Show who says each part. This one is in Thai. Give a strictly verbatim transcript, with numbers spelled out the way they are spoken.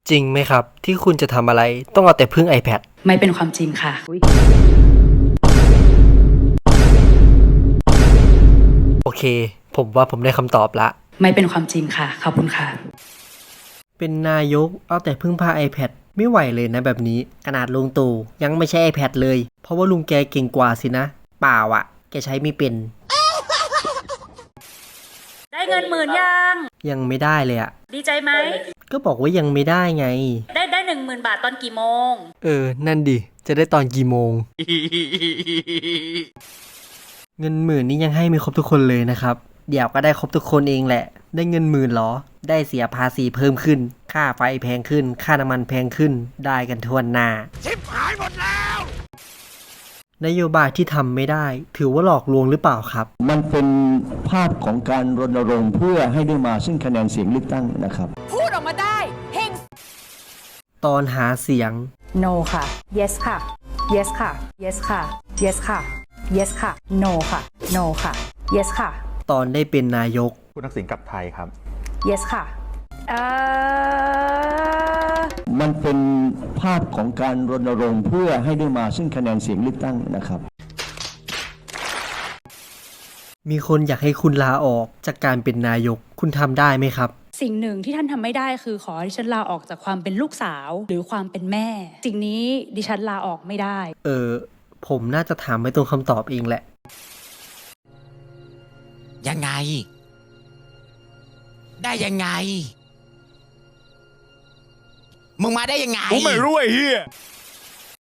Speaker 1: จริงไหมครับที่คุณจะทำอะไรต้องเอาแต่พึ่ง iPad
Speaker 2: ไม่เป็นความจริงค่ะ
Speaker 1: โอเคผมว่าผมได้คำตอบละ
Speaker 2: ไม่เป็นความจริงค่ะขอบคุณค่ะ
Speaker 1: เป็นนายกเอาแต่พึ่งพา iPad ไม่ไหวเลยนะแบบนี้ขนาดลุงตู่ยังไม่ใช่ iPad เลยเพราะว่าลุงแกเก่งกว่าสินะเปล่าอะแกใช้ไม่เป็น
Speaker 2: ได้เงินหมื่นยัง
Speaker 1: ยังไม่ได้เลยอะ
Speaker 2: ดีใจไหม
Speaker 1: ก็บอกว่ายังไม่ได้ไง
Speaker 2: ได้ได้หนึ่งหมื่นบาทตอนกี่โมง
Speaker 1: เออนั่นดิจะได้ตอนกี่โมง เงินหมื่นนี่ยังให้ไม่ครบทุกคนเลยนะครับเดี๋ยวก็ได้ครบทุกคนเองแหละได้เงินหมื่นหรอได้เสียภาษีเพิ่มขึ้นค่าไฟแพงขึ้นค่าน้ำมันแพงขึ้นได้กันทั่วหน้าชิบหายหมดแล้วนโยบายที่ทำไม่ได้ถือว่าหลอกลวงหรือเปล่าครับ
Speaker 3: มันเป็นภาพของการรณรงค์เพื่อให้ได้มาซึ่งคะแนนเสียงเลือกตั้งนะครับ
Speaker 4: พูดออกมาได้เฮง
Speaker 1: ตอนหาเสียง
Speaker 2: no ค่ะ yes ค่ะ yes ค่ะ yes ค่ะ yes ค่ะ yes ค่ะ no ค่ะ no ค่ะ yes ค่ะ
Speaker 1: ตอนได้เป็นนายก
Speaker 5: คุณทักษิณกลับไทยครับ
Speaker 2: yes ค่ะเอ่อ
Speaker 3: มันเป็นภาพของการรณรงค์เพื่อให้ได้มาซึ่งคะแนนเสียงเลือกตั้งนะครับ
Speaker 1: มีคนอยากให้คุณลาออกจากการเป็นนายกคุณทำได้ไหมครับ
Speaker 2: สิ่งหนึ่งที่ท่านทำไม่ได้คือขอให้ดิฉันลาออกจากความเป็นลูกสาวหรือความเป็นแม่สิ่งนี้ดิฉันลาออกไม่ได้
Speaker 1: เออผมน่าจะถามไม่ตรงคำตอบเองแหละ
Speaker 4: ยังไงได้ยังไงมึงมาได้ยังไง
Speaker 5: กูไม่รู้ไอ้เหี้ย